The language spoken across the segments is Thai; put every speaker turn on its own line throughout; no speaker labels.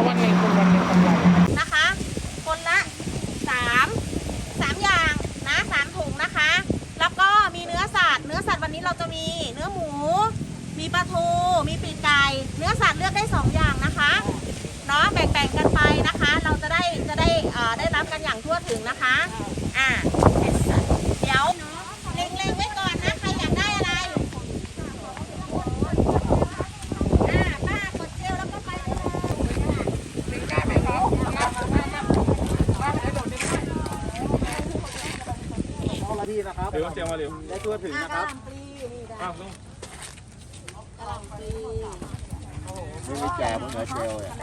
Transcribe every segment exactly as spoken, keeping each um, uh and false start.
วันหนึ่งคนวันหนึ่งกำไร
นะคะคนละสามสามอย่างนะสามถุงนะคะแล้วก็มีเนื้อสัตว์เนื้อสัตว์วันนี้เราจะมีเนื้อหมูมีปลาทูมีปีกไก่เนื้อสัตว์เลือกได้สองอย่างนะคะเนาะแบ่งๆกันไปนะคะเราจะได้จะได้เอ่อได้รับกันอย่างทั่วถึงนะคะอ่าเดี๋ยวเล็งๆไว้ก่อนนะใครอยากได้อะไรอ่าป้ากดเจลแล้วก็ไปเลยได้ไหมครับ
ดีนะครับเดี๋ยวเตรียมมาเร็วได้ทั่วถึงนะครับอ้าวนี่ไม่แก่เหมือนเนื้อเจลอ่ะ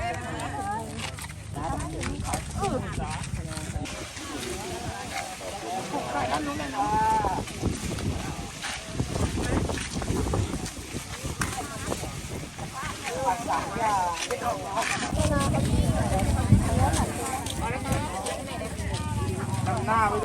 ทำหน้าไป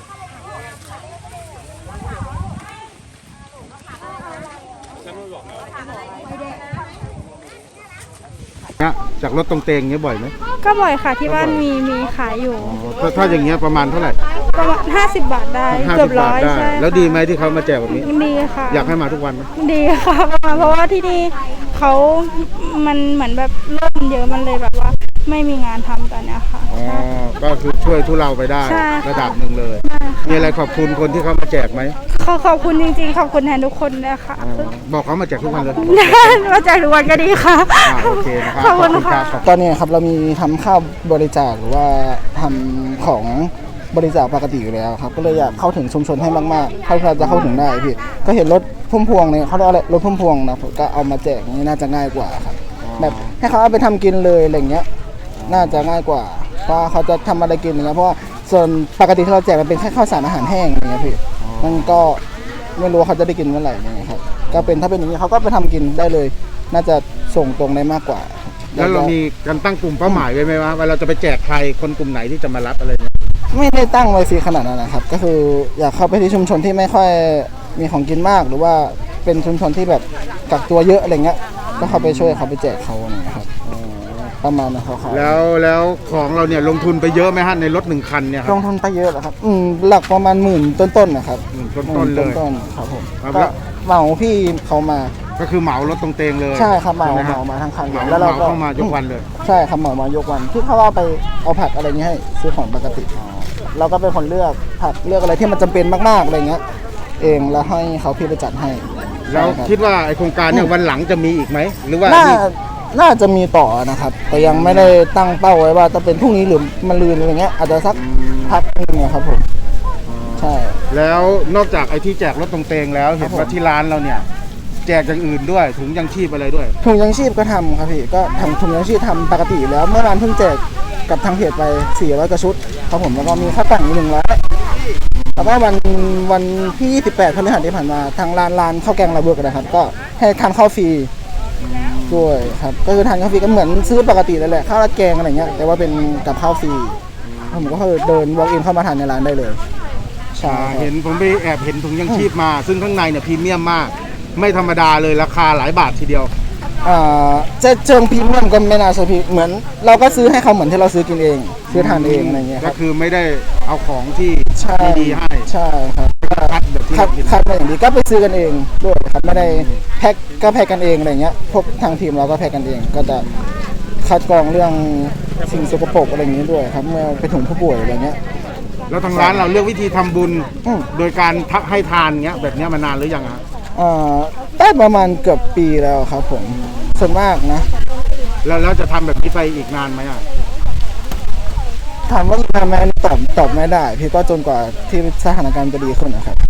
จากรถตรงเตงเงี้ยบ่อยไหม
ก็บ่อยค่ะที่บ้านมีมีขายอยู่
ถ้าถ้าอย่างเงี้ยประมาณเท่าไหร่
ประมาณห้าสิบบาทได้เกือบร้อยใช่
แล้วดีไหมที่เขามาแจกแบบนี้
ดีค่ะ
อยากให้มาทุกวันไหม
ดีค่ะเพราะว่าที่นี่เขามันเหมือนแบบเริ่มเยอะมันเลยแบบว่าไม่มีงานทำตอนนี้ค่ะ
อ๋อก็คือช่วยทุเราไปได้ระดับหนึ่งเลยมีอะไรขอบคุณคนที่เขามาแจกไหม
ขอขอบคุณจริงๆขอบคุณแทนทุกคนเลยค่ะ
บอกเขามาแจกทุกวันเลย
มาแจกทุกวันก็ดีค่ะ
โอเคนะครับ
ขอบคุณค่ะ
ตอนนี้ครับเรามีทำข้าวบริจาคหรือว่าทำของบริจาคปกติอยู่แล้วครับก็เลยอยากเข้าถึงชุมชนให้มากๆเท่าที่เราจะเข้าถึงได้พี่ก็เห็นรถพุ่มพวงเนี่ยเขาเรียกอะไรรถพุ่มพวงนะก็เอามาแจกนี่น่าจะง่ายกว่าครับแบบให้เขาเอาไปทำกินเลยอะไรเงี้ยน่าจะง่ายกว่าเพราะเขาจะทำอะไรกินอย่างเงี้ยเพราะว่าส่วนปกติที่เราแจกมันเป็นแค่ข้าวสารอาหารแห้งอย่างเงี้ยพี่มันก็ไม่รู้เขาจะได้กินเมื่อไหร่อย่างเงี้ยครับก็เป็นถ้าเป็นอย่างนี้เขาก็ไปทำกินได้เลยน่าจะส่งตรงได้มากกว่า
แล้วเรามีการตั้งกลุ่มเป้าหมายไว้ไหมว่าว่าเราจะไปแจกใครคนกลุ่มไหนที่จะมารับอะไรเงี้ย
ไม่ได้ตั้งไว้ซีขนาดนั้นนะครับก็คืออยากเข้าไปที่ชุมชนที่ไม่ค่อยมีของกินมากหรือว่าเป็นชุมชนที่แบบกักตัวเยอะอะไรเงี้ยก็เข้าไปช่วยเขาไปแจกเขาอะไรเงี้ยครับประมาณนั้นเขา
แล้วแล้วของเราเนี่ยลงทุนไปเยอะไหมฮะในรถหนึ่งคันเนี่ย
ลงทุนไปเยอะเหรอครับอืมหลักประมาณหมื่นต้นๆนะครับ
หมื่นต้นๆเลย
ต้นๆครับผมก็เหมาพี่เขามา
ก็คือเหมารถตรงเตงเลย
ใช่ครับเหมาเหมามาทั้งคัน
แล้วเราก็เข้ามายกวันเลย
ใช่ครับเหมามายกวันที่เขาว่าไปเอาผักอะไรเงี้ยให้ซื้อของปกติเราก็เป็นคนเลือกผักเลือกอะไรที่มันจำเป็นมากๆอะไรเงี้ยเองแล้วให้เขาพี่ไปจัดให้
แล้วคิดว่าไอโครงการเนี่ยวันหลังจะมีอีกไหมหรือว่า
น่าน่าจะมีต่อนะครับแต่ยังไม่ได้ตั้งเป้าไว้ว่าจะเป็นพรุ่งนี้หรือมะรืนอะไรเงี้ยอาจจะสักพักนึงครับผมใช่
แล้วนอกจากไอที่แจกรถตรงเตงแล้วเห็นว่าที่ร้านเราเนี่ยแจกอย่างอื่นด้วยถุงยังชีพอะไรด้วย
ถุงยังชีพก็ทำครับพี่ก็ทำถุงยังชีพทำปกติแล้วเมื่อวานเพิ่งแจกกับทางเพจไปสี่ร้อยกว่าชุดครับผมแล้วก็มีข้าวตั่งอีกหนึ่งร้อยแล้วก็วันวันที่ยี่สิบแปดพฤหัสที่ผ่านมาทางร้านร้านข้าวแกงระเบิดนะครับก็ให้ทานข้าวฟรีด้วยครับก็คือทานข้าวฟรีก็เหมือนซื้อปกติเลยแหละข้าวราดแกงอะไรเงี้ยแต่ว่าเป็นกับข้าวฟรีผมก็คือเดิน walk in เข้ามาทานในร้านได้เลย
ใช่เห็นผมไปแอบเห็นถุงยังชีพมาซึ่งข้างในเนี่ยพรีเมียมมากไม่ธรรมดาเลยราคาหลายบาททีเดียว
อ่าจะเชิงพรีเมียมก็ไม่น่าใช่พี่เหมือนเราก็ซื้อให้เขาเหมือนที่เราซื้อกินเองซื้อทานเองอะไรเงี้ย
ก็คือไม่ได้เอาของที่ดีให้
ใช่ครับ
คัดแบบที่
คัดคัดมาอย่างดีก็ไปซื้อกันเองด้วยครับไม่ได้แพ็คก็แพ็คกันเองอะไรเงี้ยพวกทางทีมเราก็แพ็คกันเองก็จะคัดกรองเรื่องสิ่งสกปรกอะไรอย่างนี้ด้วยครับเมื่อไปถึงผู้ป่วยอะไรเงี้ย
แล้วทางร้านเราเลือกวิธีทำบุญโดยการทักให้ทานเงี้ยแบบนี้มานานหรือยังฮะ
อ่าได้ประมาณเกือบปีแล้วครับผมส่วนมากนะ
แล้วแล้วจะทำแบบนี้ไปอีกนานไหมอ่ะ
ถามว่าทำไหมอันนี้ตอบตอบไม่ได้พี่ก็จนกว่าที่สถานการณ์จะดีขึ้นนะครับ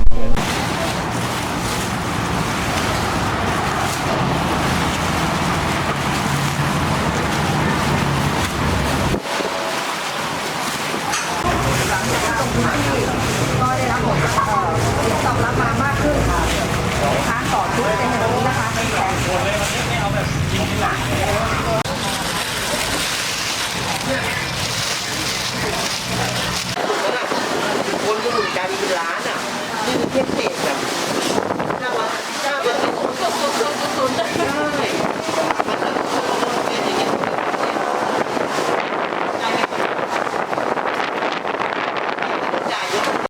ก็ได้รับผลตอบรับมามากขึ้นค่ะลูกค้าต่อชุดเป็นแบบนี้นะคะเป็นแสน